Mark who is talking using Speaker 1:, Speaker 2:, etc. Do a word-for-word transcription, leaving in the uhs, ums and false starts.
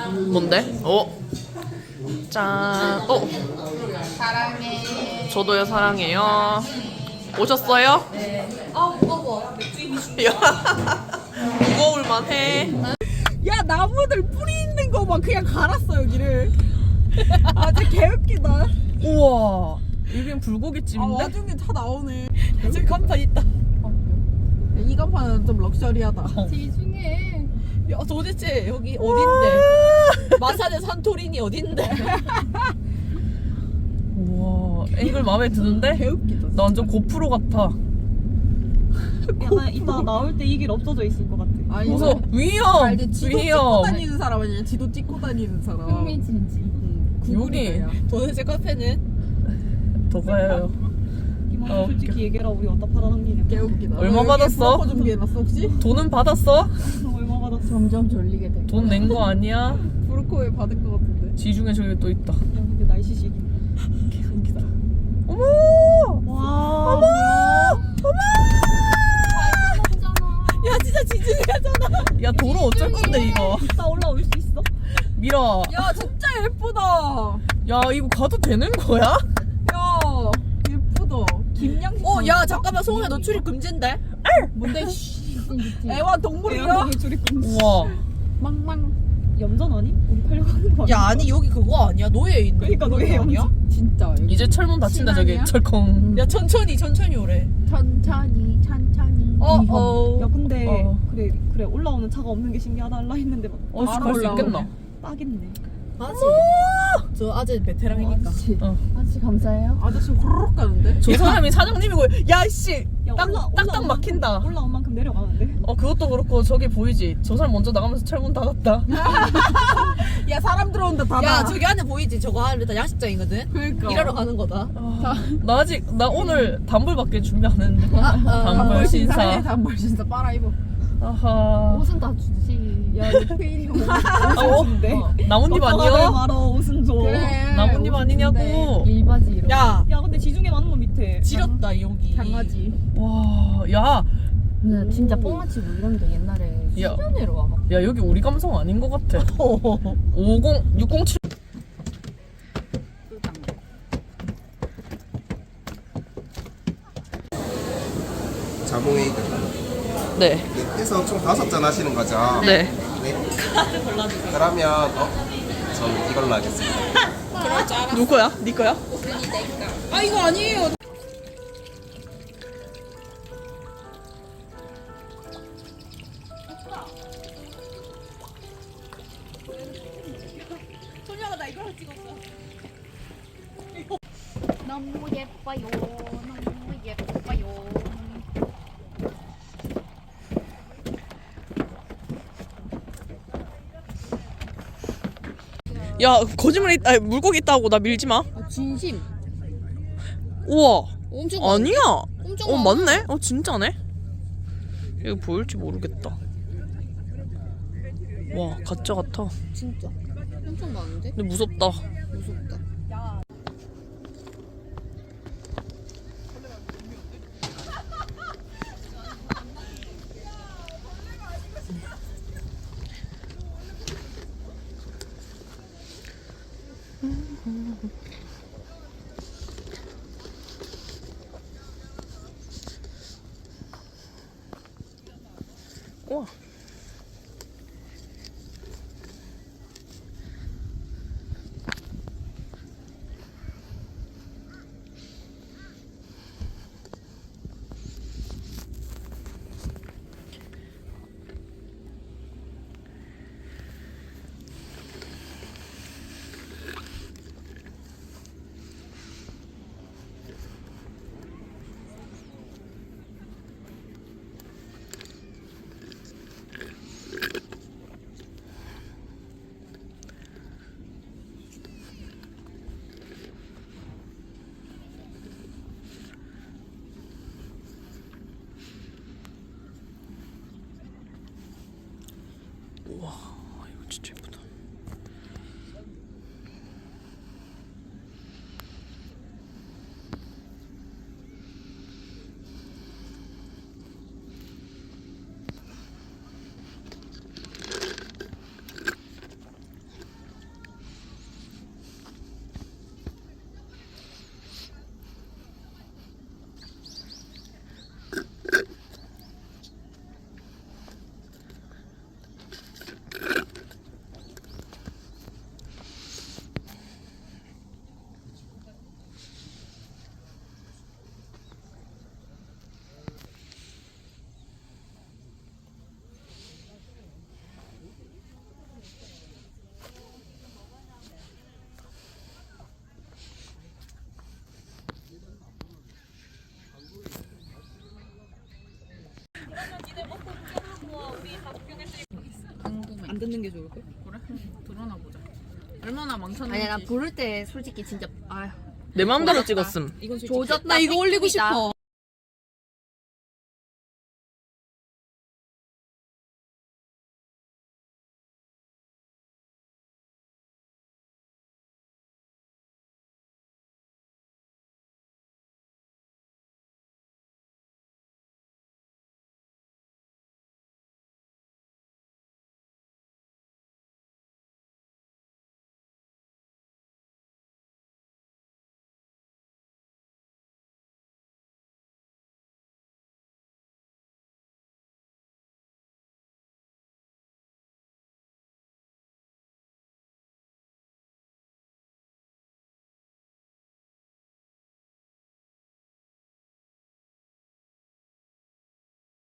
Speaker 1: 뭔데? 어? 짠. 어?
Speaker 2: 사랑해.
Speaker 1: 저도요 사랑해요. 오셨어요?
Speaker 2: 아 무거워.
Speaker 1: 무거울만 해.
Speaker 3: 야 나무들 뿌리 있는 거 막 그냥 갈았어 여기를. 아 진짜 개웃기다.
Speaker 1: 우와. 여긴
Speaker 3: 아
Speaker 1: 불고기집인데?
Speaker 3: 와중에 다 나오네.
Speaker 1: 저기 간판 있다.
Speaker 3: 이 간판은 좀 럭셔리하다.
Speaker 2: 지중해.
Speaker 4: 야 도대체 여기 어딘데? 마산의 산토리니 어딘데?
Speaker 1: 우와. 앵글 마음에 드는데?
Speaker 3: 개웃기다.
Speaker 1: 나 완전 고프로 같아.
Speaker 4: 야 이따 나올 때 이 길 없어져 있을 것 같아.
Speaker 3: 아니
Speaker 1: 무서워. 위험.
Speaker 3: 알지? 지도 찍고
Speaker 1: 위험.
Speaker 3: 다니는 사람 아니야? 지도 찍고 다니는 사람.
Speaker 2: 흥미진진.
Speaker 3: 응,
Speaker 1: 요리.
Speaker 3: 구글이다, 야.
Speaker 4: 도대체 카페는?
Speaker 1: 더 가요.
Speaker 4: 이만
Speaker 1: 어,
Speaker 4: 솔직히 얘기해라 우리 어디다 팔아넘기냐.
Speaker 3: 개웃기다.
Speaker 1: 얼마
Speaker 3: 너 여기
Speaker 1: 받았어?
Speaker 3: 브로커 준비해놨어 혹시?
Speaker 1: 돈은 받았어?
Speaker 4: 얼마 받았어?
Speaker 2: 점점 졸리게 돼.
Speaker 1: 돈 낸 거 아니야?
Speaker 3: 브로커에 받은 거 같은데.
Speaker 1: 지중에 저기 또 있다.
Speaker 4: 야 근데 날씨식이.
Speaker 1: 개웃기다. 어머!
Speaker 4: 와.
Speaker 1: 어머!
Speaker 4: 야 진짜 지중해잖아.
Speaker 1: 야 도로 어쩔 건데 이거?
Speaker 4: 이따 올라올 수 있어?
Speaker 1: 미라.
Speaker 3: 야 진짜 예쁘다.
Speaker 1: 야 이거 가도 되는 거야?
Speaker 3: 야 예쁘다. 김양.
Speaker 4: 어 야 잠깐만 소은아 너 출입 금지인데?
Speaker 3: 뭔데? 씨. 애완 동물이야?
Speaker 4: 대한민국 출입 금지.
Speaker 1: 우와.
Speaker 3: 망망.
Speaker 4: 염전 아니? 우리 팔려고 하는 거 아니야?
Speaker 5: 야 아니 여기 그거 아니야? 노예 있는
Speaker 4: 그러니까
Speaker 5: 그런
Speaker 4: 노예
Speaker 5: 거 아니야?
Speaker 3: 진짜. 여기.
Speaker 1: 이제 철문 닫힌다 저기
Speaker 3: 신앙이야?
Speaker 1: 철컹.
Speaker 5: 야 천천히 천천히 오래.
Speaker 2: 천천히 천천히.
Speaker 5: 어 어.
Speaker 4: 야 근데
Speaker 1: 어.
Speaker 4: 그래 그래 올라오는 차가 없는 게 신기하다 할라 했는데 막
Speaker 1: 어,
Speaker 3: 바로
Speaker 1: 갈수
Speaker 3: 올라오네.
Speaker 1: 있겠나?
Speaker 4: 딱있네.
Speaker 5: 아직 저 아직 베테랑이니까.
Speaker 2: 아저씨.
Speaker 1: 어.
Speaker 2: 아저씨 감사해요.
Speaker 3: 아저씨 호로록 가는데?
Speaker 1: 저 사람이 사장님이고 야씨
Speaker 4: 야,
Speaker 1: 딱
Speaker 4: 올라-
Speaker 1: 딱딱
Speaker 4: 올라온
Speaker 1: 막힌다.
Speaker 4: 만큼- 올라온 만큼 내려가는데.
Speaker 1: 어 그것도 그렇고 저기 보이지? 저 사람 먼저 나가면서 철문 닫았다.
Speaker 3: 야 사람 들어온다 닫아.
Speaker 5: 야 저기 안에 보이지? 저거 안에 다 야식장이거든.
Speaker 3: 그러니까.
Speaker 5: 일하러 가는 거다.
Speaker 1: 아, 나 아직 나 오늘 단불밖에 준비 안 했는데. 단불
Speaker 3: 단벌 신사해.
Speaker 1: 신사.
Speaker 3: 단벌 신사 빨아 입어.
Speaker 1: 아하.
Speaker 2: 옷은 다 주지. 야 페인이 옷.
Speaker 1: 아, 어?
Speaker 4: 근데
Speaker 1: 나뭇잎
Speaker 4: 어,
Speaker 1: 아니야?
Speaker 4: 말어 옷은 줘.
Speaker 3: 그래.
Speaker 1: 나뭇잎 아니냐고.
Speaker 2: 일바지 이런.
Speaker 5: 야
Speaker 4: 야 근데 지중해 많은 거 밑에.
Speaker 5: 지렸다 여기.
Speaker 3: 강아지.
Speaker 1: 와, 야,
Speaker 2: 나 진짜 뽕마치고 이런데 옛날에
Speaker 1: 야.
Speaker 2: 수련회로 와 막.
Speaker 1: 야 여기 우리 감성 아닌 것 같아. 오공 육공칠.
Speaker 6: 자몽에이드
Speaker 1: 네,
Speaker 6: 해서 총 다섯 잔 하시는 거죠?
Speaker 1: 네.
Speaker 6: 네. 그러면 어? 전 이걸로 하겠습니다.
Speaker 1: 누구야? 네 거야?
Speaker 5: 아 이거 아니에요.
Speaker 2: 너무 예뻐요. 너무 예뻐요.
Speaker 1: 야 거짓말 있, 아니, 물고기 있다고 나 밀지 마.
Speaker 2: 아, 진심.
Speaker 1: 우와.
Speaker 2: 엄청
Speaker 1: 아니야.
Speaker 2: 엄청
Speaker 1: 어
Speaker 2: 많아.
Speaker 1: 맞네. 어 진짜네. 이거 보일지 모르겠다. 와 가짜 같아.
Speaker 2: 진짜. 엄청 많은데?
Speaker 1: 근데 무섭다.
Speaker 2: 무섭다.
Speaker 1: 우와.
Speaker 2: 궁금해.
Speaker 3: 안 듣는 게 좋을 걸?
Speaker 1: 그래? 드러나 보자. 얼마나 망쳤는지.
Speaker 2: 아니야 나 부를 때 솔직히 진짜 아휴
Speaker 1: 내 마음대로 찍었음.
Speaker 3: 이건 솔직히
Speaker 2: 조졌다.
Speaker 3: 나 이거 올리고
Speaker 2: 삐삐다.
Speaker 3: 싶어.